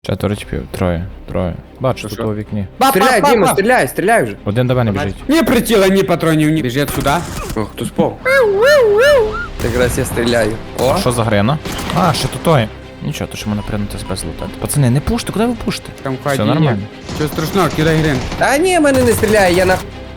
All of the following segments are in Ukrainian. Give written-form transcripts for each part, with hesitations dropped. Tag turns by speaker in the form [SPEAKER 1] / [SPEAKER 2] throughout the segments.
[SPEAKER 1] Четверо чіпів, троє. Бачу, тут у вікні.
[SPEAKER 2] Стріляй, Діма, стріляй вже.
[SPEAKER 1] Один до мене біжить.
[SPEAKER 3] Ні приціла, ні патронів, ні. Біжить сюди.
[SPEAKER 2] О, хто спав? Якраз я стріляю. О,
[SPEAKER 1] Що за грена? А, ще тут той. Нічого, то що мене прийняти себе лутати. Пацани, не пуште, куди ви пушите?
[SPEAKER 3] Там
[SPEAKER 1] Все
[SPEAKER 3] хаді
[SPEAKER 1] нормально.
[SPEAKER 3] є. Що страшного, кидай грин.
[SPEAKER 2] та ні, мене не стріляє, я на...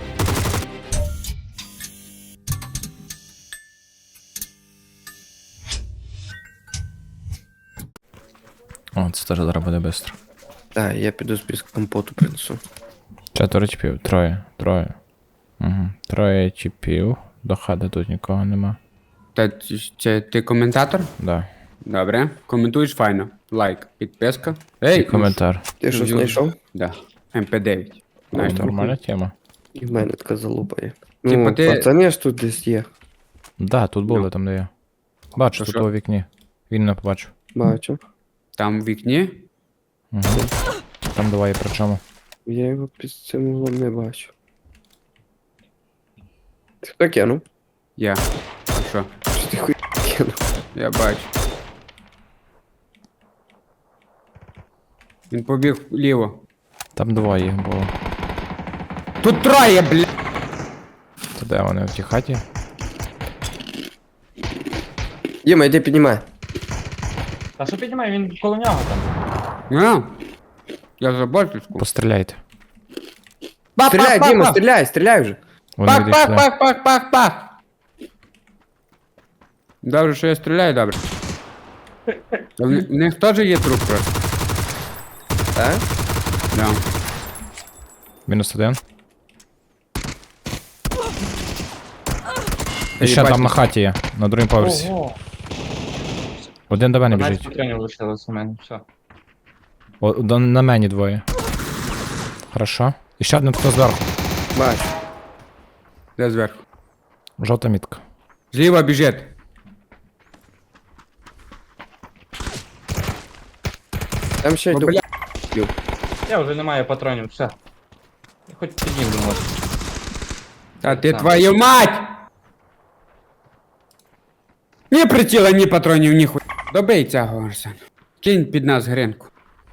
[SPEAKER 1] О, це теж зараз буде швидко.
[SPEAKER 2] Так, я піду з компоту принесу.
[SPEAKER 1] Четверо чіпів, троє. Угу. Троє чіпів. До хати тут нікого нема.
[SPEAKER 3] Та це ти коментатор?
[SPEAKER 1] Да.
[SPEAKER 3] Добре. Коментуєш файно. Лайк, підписка. Ей,
[SPEAKER 1] І коментар.
[SPEAKER 2] Ти що знайшов?
[SPEAKER 3] Да. МП9. Знаєш,
[SPEAKER 1] Нормальна тема.
[SPEAKER 2] І в мене така залупа є.
[SPEAKER 3] Типа
[SPEAKER 2] Ну,
[SPEAKER 3] ти-
[SPEAKER 2] пацани ж тут десь є.
[SPEAKER 1] Да, тут були, там де я. Бачу,
[SPEAKER 3] То
[SPEAKER 1] тут
[SPEAKER 3] що?
[SPEAKER 1] у вікні. Він не побачив.
[SPEAKER 2] Бачу.
[SPEAKER 3] Там в вікні.
[SPEAKER 1] Угу. Там двоє причому.
[SPEAKER 2] Я його під цим углом не бачу. Ти хто кинув?
[SPEAKER 3] Я. А що?
[SPEAKER 2] Що ти хуй кинув?
[SPEAKER 3] Я бачу. Він побіг вліво.
[SPEAKER 1] Там двоє їх було.
[SPEAKER 3] Тут троє, бля.
[SPEAKER 1] Це де вони в тій хаті?
[SPEAKER 2] Діма, йди піднімай.
[SPEAKER 4] Та що піднімай, він коло нього там.
[SPEAKER 3] А? Я за борточку.
[SPEAKER 1] Постріляйте.
[SPEAKER 2] Стріляй, Діма, стріляй вже.
[SPEAKER 1] Вони
[SPEAKER 3] Пах,
[SPEAKER 1] відійшли.
[SPEAKER 3] пах, пах, пах, пах, пах. Добре, що я стріляю, добре. Та в них теж є труп просто.
[SPEAKER 2] Так?
[SPEAKER 3] Да.
[SPEAKER 1] Мінус один.
[SPEAKER 3] Та
[SPEAKER 1] І ще
[SPEAKER 3] їбать,
[SPEAKER 1] там на хаті є, на другому поверсі.
[SPEAKER 4] Ого.
[SPEAKER 1] Один до мене
[SPEAKER 4] 15
[SPEAKER 1] біжить.
[SPEAKER 4] патронів лишилось у мене, все.
[SPEAKER 1] На мені двоє. Хорошо. І ще один хто зверху.
[SPEAKER 2] Бачу.
[SPEAKER 3] Де зверху?
[SPEAKER 1] Жовта мітка.
[SPEAKER 3] Зліва біжить.
[SPEAKER 2] Там ще
[SPEAKER 3] О,
[SPEAKER 2] йду.
[SPEAKER 3] бля.
[SPEAKER 4] Я вже не маю патронів, все. Я хоч підійм до вас.
[SPEAKER 3] Та ти
[SPEAKER 4] Сам.
[SPEAKER 3] твою мать! Ні приціла, ні патронів, ні хуй. Добий цього, Арсен. Кинь під нас гринку.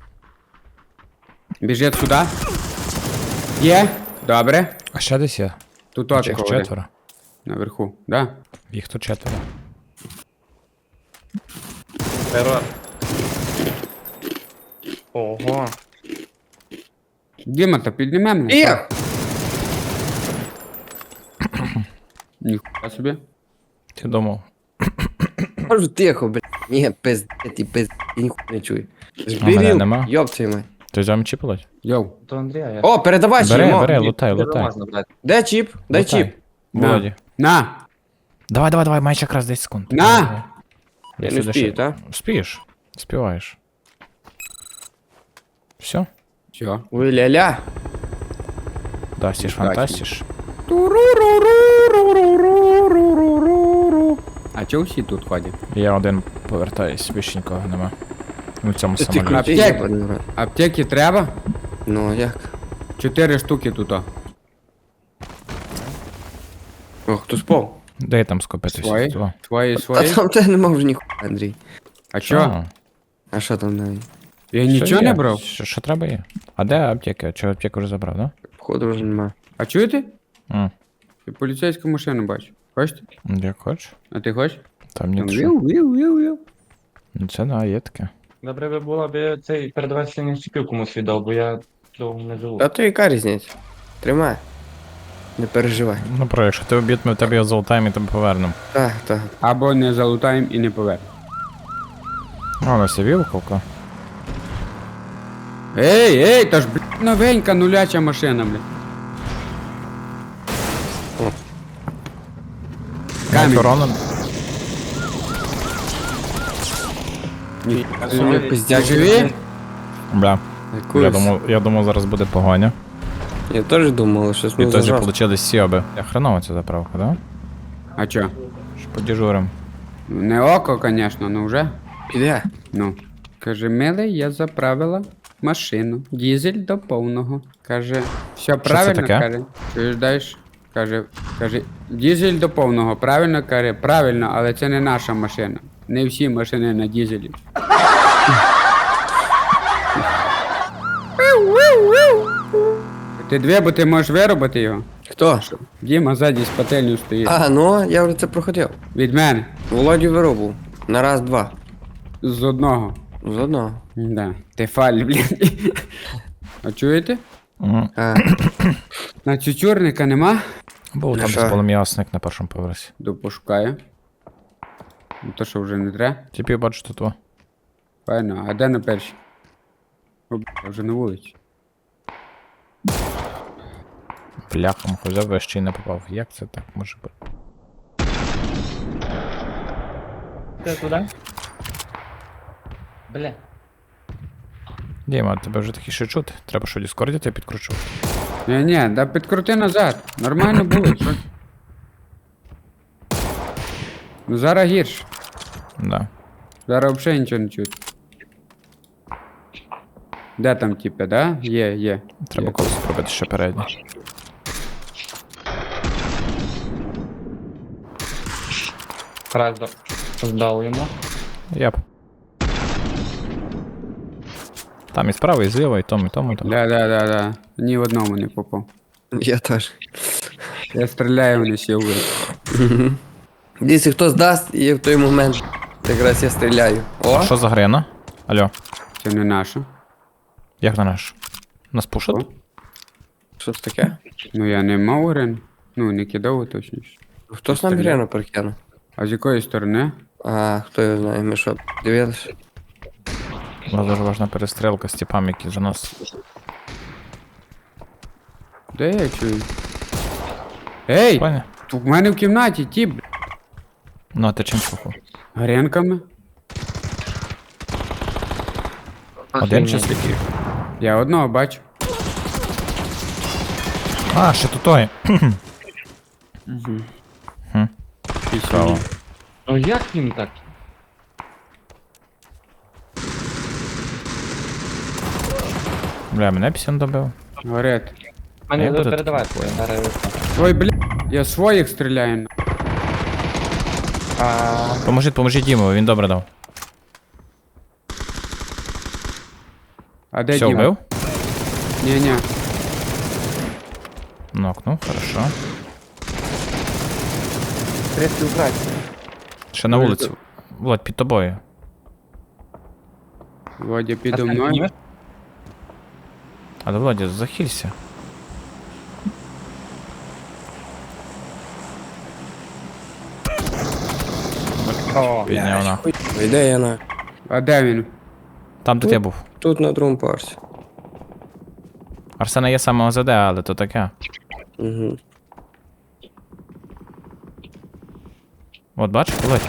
[SPEAKER 3] Біжить сюди. Є. Добре.
[SPEAKER 1] А ще десь є.
[SPEAKER 3] Тут
[SPEAKER 1] Їх
[SPEAKER 3] очко
[SPEAKER 1] четверо.
[SPEAKER 3] наверху, да?
[SPEAKER 1] Їх тут четверо.
[SPEAKER 4] Терор. Ого.
[SPEAKER 3] Діма, та підніме мене.
[SPEAKER 2] Їх!
[SPEAKER 3] Ніхуя собі.
[SPEAKER 1] Ти думав.
[SPEAKER 2] Кажу тихо, блядь. Ні, пиздець, я ніхуя не чую.
[SPEAKER 1] А мене нема?
[SPEAKER 2] Збірів, йоп твою мать.
[SPEAKER 1] Ти взяв чіп ледь?
[SPEAKER 3] Йоу.
[SPEAKER 4] То Андрія, я...
[SPEAKER 2] О, передавай ще
[SPEAKER 1] Бери,
[SPEAKER 2] йому.
[SPEAKER 1] бери, лутай,
[SPEAKER 4] Його
[SPEAKER 1] лутай.
[SPEAKER 4] можна брати.
[SPEAKER 2] Де чіп? Дай
[SPEAKER 1] Лутай.
[SPEAKER 2] чіп.
[SPEAKER 1] Володі.
[SPEAKER 3] На.
[SPEAKER 1] Давай, маєш якраз 10 секунд.
[SPEAKER 3] На!
[SPEAKER 1] Я
[SPEAKER 2] Я не
[SPEAKER 1] сюди
[SPEAKER 2] вспію,
[SPEAKER 1] ще-
[SPEAKER 2] так?
[SPEAKER 1] Вспієш. Співаєш. Все?
[SPEAKER 3] Все.
[SPEAKER 2] Ой, ля-ля.
[SPEAKER 1] Да, сіж
[SPEAKER 3] Удачно.
[SPEAKER 1] фантастиш.
[SPEAKER 3] А чого всі тут ходять?
[SPEAKER 1] Я один повертаюсь, більше нікого нема. Ну, в цьому
[SPEAKER 2] Ти
[SPEAKER 1] самоліті.
[SPEAKER 2] крутий,
[SPEAKER 3] Аптек.
[SPEAKER 2] єбаний рот.
[SPEAKER 3] Аптеки треба?
[SPEAKER 2] Ну, як?
[SPEAKER 3] 4 штуки тут.
[SPEAKER 2] О, хто спав?
[SPEAKER 1] Де там скопитися?
[SPEAKER 3] Свої?
[SPEAKER 1] Два.
[SPEAKER 3] Твої,
[SPEAKER 2] А
[SPEAKER 3] свої?
[SPEAKER 2] там тебе нема вже ніхуя, Андрій.
[SPEAKER 3] А чо?
[SPEAKER 2] А що там навіть?
[SPEAKER 3] Я
[SPEAKER 1] Що
[SPEAKER 3] нічого
[SPEAKER 1] є?
[SPEAKER 3] не брав.
[SPEAKER 1] Що треба є? А де аптека? Чи аптеку вже забрав, да?
[SPEAKER 2] Походу вже нема.
[SPEAKER 3] А чуєте?
[SPEAKER 1] М,
[SPEAKER 3] Я поліцейську машину бачу. Хочете?
[SPEAKER 1] Як хочеш.
[SPEAKER 3] А ти хочеш?
[SPEAKER 1] Там
[SPEAKER 3] Там
[SPEAKER 1] нічого.
[SPEAKER 3] віу.
[SPEAKER 1] Ну, це да, є таке.
[SPEAKER 4] Добре би було б цей передавати чіпів комусь віддав, бо я довго не живу.
[SPEAKER 2] А то яка різниця? Тримай. Не переживай.
[SPEAKER 1] Ну, про, якщо ти обід, ми в тебе його золотаємо і тебе повернемо.
[SPEAKER 2] Так, так.
[SPEAKER 3] Або не залутаємо і не повернемо.
[SPEAKER 1] О, у нас є вілковка.
[SPEAKER 3] Ей, та ж, блядь, новенька нуляча машина, блядь. Камінь.
[SPEAKER 1] Корона.
[SPEAKER 3] Ні.
[SPEAKER 2] Собі
[SPEAKER 3] Ти
[SPEAKER 2] пиздяк.
[SPEAKER 3] живі?
[SPEAKER 1] Бля.
[SPEAKER 2] Якусь.
[SPEAKER 1] Я думав, зараз буде погоня.
[SPEAKER 2] Я теж думав, що
[SPEAKER 1] І
[SPEAKER 2] ми
[SPEAKER 1] тоді
[SPEAKER 2] зажав.
[SPEAKER 1] получили сіоби. Я хреново ця заправка, да?
[SPEAKER 3] А чо?
[SPEAKER 1] Що подіжурим.
[SPEAKER 3] Не око, конечно, ну вже.
[SPEAKER 2] Піде.
[SPEAKER 3] Ну. Каже, милий, я заправила машину. Дізель до повного. Каже, все правильно,
[SPEAKER 1] таке?
[SPEAKER 3] каже. Чуєш далі? Каже, дізель до повного. Правильно, каже, правильно, але це не наша машина. Не всі машини на дізелі. Ти дві, бо ти можеш виробити його.
[SPEAKER 2] Хто?
[SPEAKER 3] Діма ззаді з пательню стоїть.
[SPEAKER 2] А, ну, я вже це проходив.
[SPEAKER 3] Від мене.
[SPEAKER 2] Володю виробив. На раз-два.
[SPEAKER 3] З одного.
[SPEAKER 2] З одного.
[SPEAKER 3] Да. Ти фаль, блін. А чуєте?
[SPEAKER 1] Мгм.
[SPEAKER 2] А,
[SPEAKER 3] На цюцюрника нема?
[SPEAKER 1] Був
[SPEAKER 2] Ну
[SPEAKER 1] там
[SPEAKER 2] що?
[SPEAKER 1] полум'ясник на першому поверсі.
[SPEAKER 3] До пошукаю. Ну, то що вже не треба.
[SPEAKER 1] Типів бачу тут. О.
[SPEAKER 3] Файно, а де на першій? О, бля, я вже на вулиці.
[SPEAKER 1] Бляхом взяв, я ще й не попав. Як це так може бути?
[SPEAKER 4] Ти туди? Бля.
[SPEAKER 1] Діма, тебе вже такі ще чути? Треба що, Діскорді тебе підкручу?
[SPEAKER 3] Ні, да підкрути назад. Нормально було, що? Ну зараз гірше.
[SPEAKER 1] Да.
[SPEAKER 3] Зараз взагалі нічого не чути. Де там типи, да? Є.
[SPEAKER 1] Треба
[SPEAKER 3] Є.
[SPEAKER 1] колись пробити ще передній.
[SPEAKER 4] Раз здав йому.
[SPEAKER 1] Яп. Там і справа, і зліва, і тому, і тому. Там.
[SPEAKER 3] Да. Ні в одному не попав.
[SPEAKER 2] я теж.
[SPEAKER 3] Я стріляю, вони всі вбили.
[SPEAKER 2] Дивіться, хто здасть, і в той момент якраз я стріляю. О,
[SPEAKER 1] Що за грена? Алло,
[SPEAKER 3] Це не наше.
[SPEAKER 1] як на наш? Нас пушать?
[SPEAKER 3] О.
[SPEAKER 2] що це таке?
[SPEAKER 3] Ну я не мав урен. Ну, не кидав точніше.
[SPEAKER 2] Хто ж нам гряну прокинув?
[SPEAKER 3] А з якої сторони?
[SPEAKER 2] А, хто його знає, ми що, дивилися?
[SPEAKER 1] У нас дуже важна перестрілка з типами, які за нас.
[SPEAKER 3] Де я чую? Ей!
[SPEAKER 1] Понял?
[SPEAKER 3] Тут в мене в кімнаті ті, бля.
[SPEAKER 1] Ну, а ти чим слухав?
[SPEAKER 3] Гренками.
[SPEAKER 1] Один чи скільки?
[SPEAKER 3] Я одного бачу.
[SPEAKER 1] А, ще тут той. Цікаво.
[SPEAKER 4] Ну як він так?
[SPEAKER 1] Бля, мене пісен добив.
[SPEAKER 3] Горить.
[SPEAKER 4] Мене
[SPEAKER 1] Я буду
[SPEAKER 4] передавати.
[SPEAKER 1] такий.
[SPEAKER 4] Зараз.
[SPEAKER 3] Ой, бля, я своїх стріляю.
[SPEAKER 1] Поможіть Дімові, він добре дав.
[SPEAKER 3] А де
[SPEAKER 1] Все,
[SPEAKER 3] Діма?
[SPEAKER 1] вбив?
[SPEAKER 3] Ні.
[SPEAKER 1] Нокнув, хорошо.
[SPEAKER 2] Третій вбрати.
[SPEAKER 1] Ще на вулиці. Володь, під тобою.
[SPEAKER 3] Водя підо мною.
[SPEAKER 1] Але Володя, захилься.
[SPEAKER 4] О,
[SPEAKER 1] Підняв на.
[SPEAKER 2] Йде я на.
[SPEAKER 3] А де він?
[SPEAKER 1] Там, де я був.
[SPEAKER 2] Тут на другому поверсі.
[SPEAKER 1] Арсена є саме ОЗД, але то таке.
[SPEAKER 2] Угу.
[SPEAKER 1] От бачиш, Володь?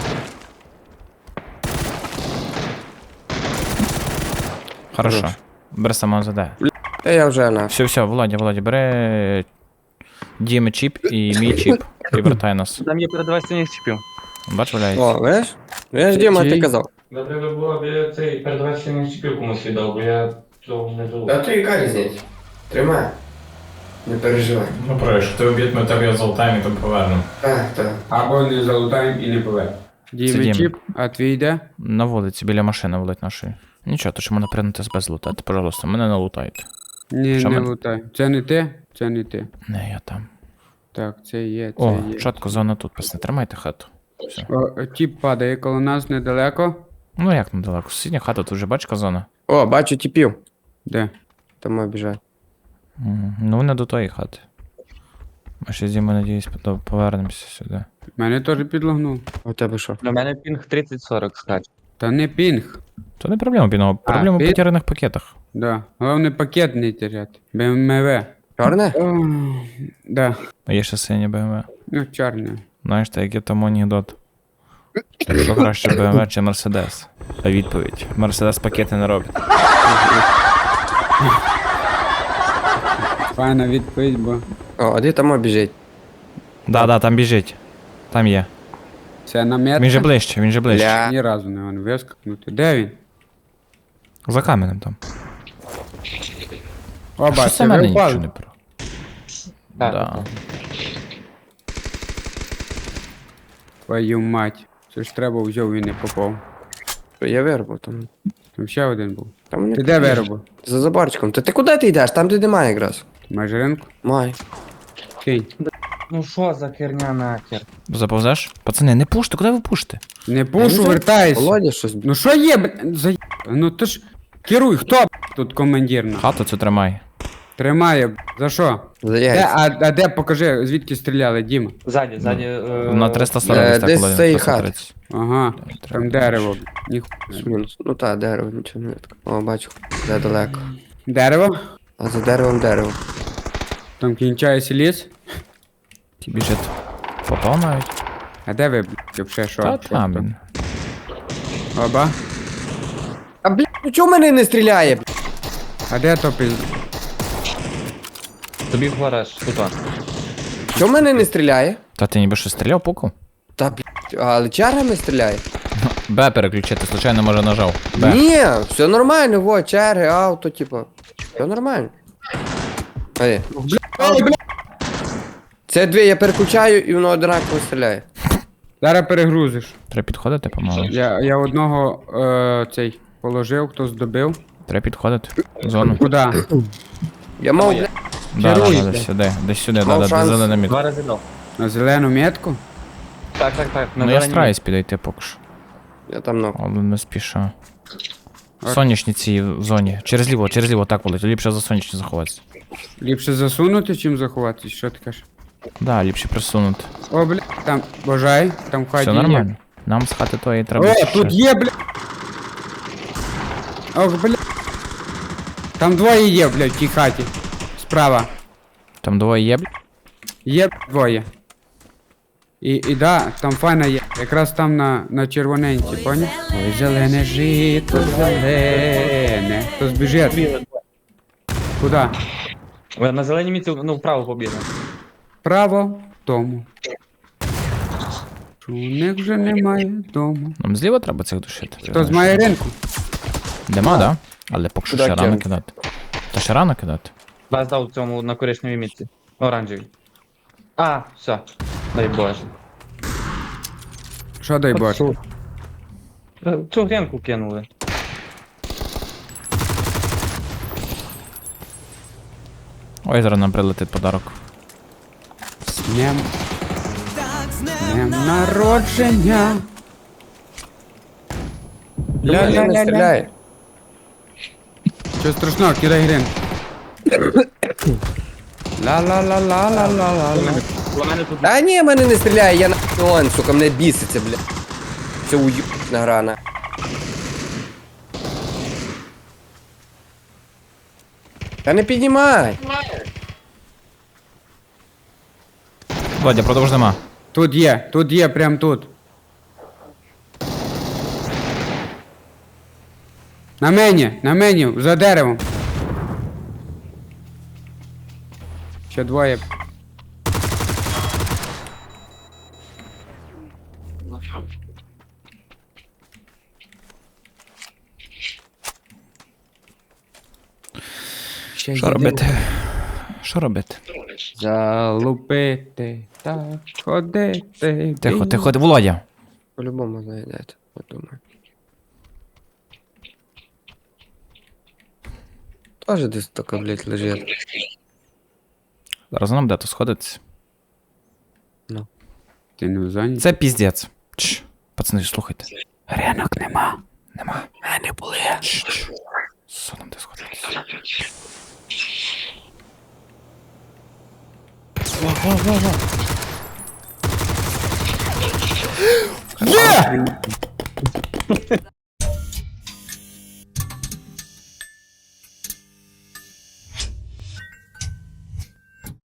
[SPEAKER 1] Хорошо.
[SPEAKER 2] Хорош.
[SPEAKER 1] Бери саме ОЗД.
[SPEAKER 2] Та я вже на.
[SPEAKER 1] Все, Володя, бери Діми чіп і мій чіп. І вертай нас.
[SPEAKER 4] там є передавати чіпів.
[SPEAKER 1] Бач, валяється.
[SPEAKER 2] О, видиш? Видиш, Діма, ти
[SPEAKER 3] Чий?
[SPEAKER 2] казав.
[SPEAKER 4] Добре би було, аби цей передавати чіпів комусь віддав, бо я цього не живу.
[SPEAKER 2] то яка різниця? Тримай. Не переживай.
[SPEAKER 1] Ну, про що ти обід, ми тебе золотаємо і там повернемо.
[SPEAKER 2] Так.
[SPEAKER 3] Або не залутаємо і не повернемо. Діми
[SPEAKER 1] Діма.
[SPEAKER 3] чіп, а твій де?
[SPEAKER 1] На вулиці, біля машини, Володь, нашої. Нічого, то що мене прийняти без лутати, пожалуйста, мене не лутайте.
[SPEAKER 3] Ні,
[SPEAKER 1] Що
[SPEAKER 3] не
[SPEAKER 1] ми-
[SPEAKER 3] лутай. Це не ти? Це не ти.
[SPEAKER 1] Не, я там.
[SPEAKER 3] Так, це є, це
[SPEAKER 1] О,
[SPEAKER 3] є.
[SPEAKER 1] чітко зона тут, пасне, тримайте хату. Все.
[SPEAKER 3] О, тіп падає коло нас недалеко.
[SPEAKER 1] Ну як недалеко, сусідня хата, тут вже бачка зона.
[SPEAKER 2] О, бачу тіпів.
[SPEAKER 3] Де?
[SPEAKER 2] Там обіжать.
[SPEAKER 1] Ну, не до тої хати. Ми ще з Дімою, надіюсь, повернемося сюди.
[SPEAKER 3] Мене теж підлогнув.
[SPEAKER 2] А у тебе що?
[SPEAKER 4] Для мене пінг 30-40 скаче.
[SPEAKER 3] Та не пінг.
[SPEAKER 1] То не проблема, Біно, проблема в
[SPEAKER 3] під-
[SPEAKER 1] потеряних пакетах.
[SPEAKER 3] Да. Головне пакет не теряти. БМВ.
[SPEAKER 2] Чорне?
[SPEAKER 3] Да.
[SPEAKER 1] А є ще сині БМВ.
[SPEAKER 3] Ну, чорне.
[SPEAKER 1] Знаєш, так як там анекдот. Що краще БМВ чи Мерседес? А відповідь. Мерседес пакети не робить.
[SPEAKER 3] Файна відповідь, бо
[SPEAKER 2] О, а де там обіжить?
[SPEAKER 1] Да, там біжить. Там є.
[SPEAKER 3] це намет.
[SPEAKER 1] Він же ближче.
[SPEAKER 2] Бля.
[SPEAKER 3] Ні разу не можна вискакнути. Де він?
[SPEAKER 1] За каменем там.
[SPEAKER 3] О,
[SPEAKER 1] Що
[SPEAKER 3] бачите,
[SPEAKER 1] це мене
[SPEAKER 3] ви
[SPEAKER 1] нічого
[SPEAKER 3] впали.
[SPEAKER 1] не про.
[SPEAKER 4] Так,
[SPEAKER 1] Да.
[SPEAKER 4] так.
[SPEAKER 3] Твою мать. Це ж треба взяв і не попав.
[SPEAKER 2] Я вирвав там.
[SPEAKER 3] Там ще один був.
[SPEAKER 2] Там вони
[SPEAKER 3] Ти де виробив?
[SPEAKER 2] за заборчиком. Ти куди ти йдеш? Там де немає якраз.
[SPEAKER 3] Маєш ринку?
[SPEAKER 2] Май.
[SPEAKER 3] Кинь.
[SPEAKER 4] Ну що за херня нахер?
[SPEAKER 1] Заповзеш? Пацани, не пуште, куди ви пушите?
[SPEAKER 3] Не пушу, вертайся.
[SPEAKER 2] Володя щось.
[SPEAKER 3] Ну що є, за... Ну ти ж керуй, хто тут командир?
[SPEAKER 1] Хату цю тримай.
[SPEAKER 3] Тримає, за що?
[SPEAKER 2] За
[SPEAKER 3] Де,
[SPEAKER 2] яйця.
[SPEAKER 3] а де, покажи, звідки стріляли, Діма?
[SPEAKER 4] Ззаді.
[SPEAKER 1] На 340 десь так,
[SPEAKER 2] десь
[SPEAKER 1] Володя,
[SPEAKER 2] з цієї
[SPEAKER 1] 330.
[SPEAKER 3] Ага, там дерево. Ніхуя.
[SPEAKER 2] Мінус. Ну та, дерево, нічого не видно. О, бачу. Де далеко.
[SPEAKER 3] Дерево?
[SPEAKER 2] А за деревом дерево.
[SPEAKER 3] Там кінчається ліс.
[SPEAKER 1] Ті біжить. Попав навіть.
[SPEAKER 3] А де ви, вообще, що?
[SPEAKER 1] Та
[SPEAKER 3] Що
[SPEAKER 1] там
[SPEAKER 3] там?
[SPEAKER 1] він.
[SPEAKER 3] Оба?
[SPEAKER 2] А блядь, ну чого мене не стріляє? Блядь?
[SPEAKER 3] А де то піз...
[SPEAKER 4] Тобі в гараж, тут.
[SPEAKER 2] Чого мене не стріляє?
[SPEAKER 1] Та ти ніби що стріляв пукав?
[SPEAKER 2] Та блядь, але чергами стріляє.
[SPEAKER 1] Б переключити, случайно може нажав. Б.
[SPEAKER 2] Ні, все нормально, во, черги, авто, типа. Все нормально. Ай. Це дві, я переключаю і воно однаково стріляє.
[SPEAKER 3] Зараз перегрузиш.
[SPEAKER 1] Треба підходити, помалу.
[SPEAKER 3] Я одного цей положив, хтось добив.
[SPEAKER 1] Треба підходити. В зону.
[SPEAKER 3] Куда?
[SPEAKER 2] Я мав,
[SPEAKER 4] Моє.
[SPEAKER 2] блядь,
[SPEAKER 1] Да,
[SPEAKER 3] Керуй,
[SPEAKER 1] десь сюди, десь сюди,
[SPEAKER 2] Мав
[SPEAKER 1] да,
[SPEAKER 2] шанс.
[SPEAKER 1] де зелена мітка.
[SPEAKER 4] 2 рази дав.
[SPEAKER 3] На зелену метку?
[SPEAKER 4] Так.
[SPEAKER 1] Ну я стараюсь підійти поки що.
[SPEAKER 2] я там ног.
[SPEAKER 1] Але не спіша. Сонячні ці в зоні. Через ліво, так волить. Ліпше за сонячні заховатися.
[SPEAKER 3] Ліпше засунути, чим заховатись, що ти кажеш?
[SPEAKER 1] Да, ліпше присунути.
[SPEAKER 3] О, бля, там, бажай, там в хаті
[SPEAKER 1] Все
[SPEAKER 3] є.
[SPEAKER 1] нормально. Нам з хати тої треба.
[SPEAKER 3] О,
[SPEAKER 1] ще.
[SPEAKER 3] тут є, бля. Ох, бля. Там двоє є, бля, в тій хаті. Справа.
[SPEAKER 1] Там двоє є, бля?
[SPEAKER 3] Є двоє. І да, там файна є. Якраз там на червоненці, поняв? Ой, зелене жито, зелене. Хто збіжить? Куда?
[SPEAKER 4] На зеленій мітці, ну, вправо побігли.
[SPEAKER 3] Право в тому. Що у них вже немає дому.
[SPEAKER 1] Нам зліва треба цих душити.
[SPEAKER 3] Хтось має ринку?
[SPEAKER 1] Дима, да? Але поки що
[SPEAKER 2] Куди
[SPEAKER 1] ще рано
[SPEAKER 2] кинути?
[SPEAKER 1] кидати. Та ще рано кидати.
[SPEAKER 4] Вас дав в цьому на коричневій мітці. Оранжевій. А, все. Дай Боже.
[SPEAKER 3] Що дай Боже?
[SPEAKER 4] Цю гренку кинули.
[SPEAKER 1] Ой, зараз нам прилетить подарок.
[SPEAKER 3] З днем народження.
[SPEAKER 2] Мене не стріляє.
[SPEAKER 3] Що страшного, кидай грин. Ла-ла-ла-ла-ла-ла-ла.
[SPEAKER 4] У мене тут
[SPEAKER 2] Та ні, мене не стріляє, я на он, сука, мене біситься, бля. Це уютна грана. Та не піднімай.
[SPEAKER 1] Владя, продовж нема.
[SPEAKER 3] Тут є, прям тут. На мені, за деревом. Ще двоє. Ще
[SPEAKER 1] Що робити? Що робити?
[SPEAKER 3] Залупити, так, ходити.
[SPEAKER 1] Тихо, тихо, Володя.
[SPEAKER 2] По-любому знайдете, я думаю. Тоже десь така, блядь, лежить.
[SPEAKER 1] Зараз нам де то сходиться.
[SPEAKER 3] Ти не в зоні?
[SPEAKER 1] Це піздець. Чш. Пацани, слухайте. Ринок нема. Нема.
[SPEAKER 2] Не були.
[SPEAKER 1] Чш. Що нам де сходитися?
[SPEAKER 3] Є!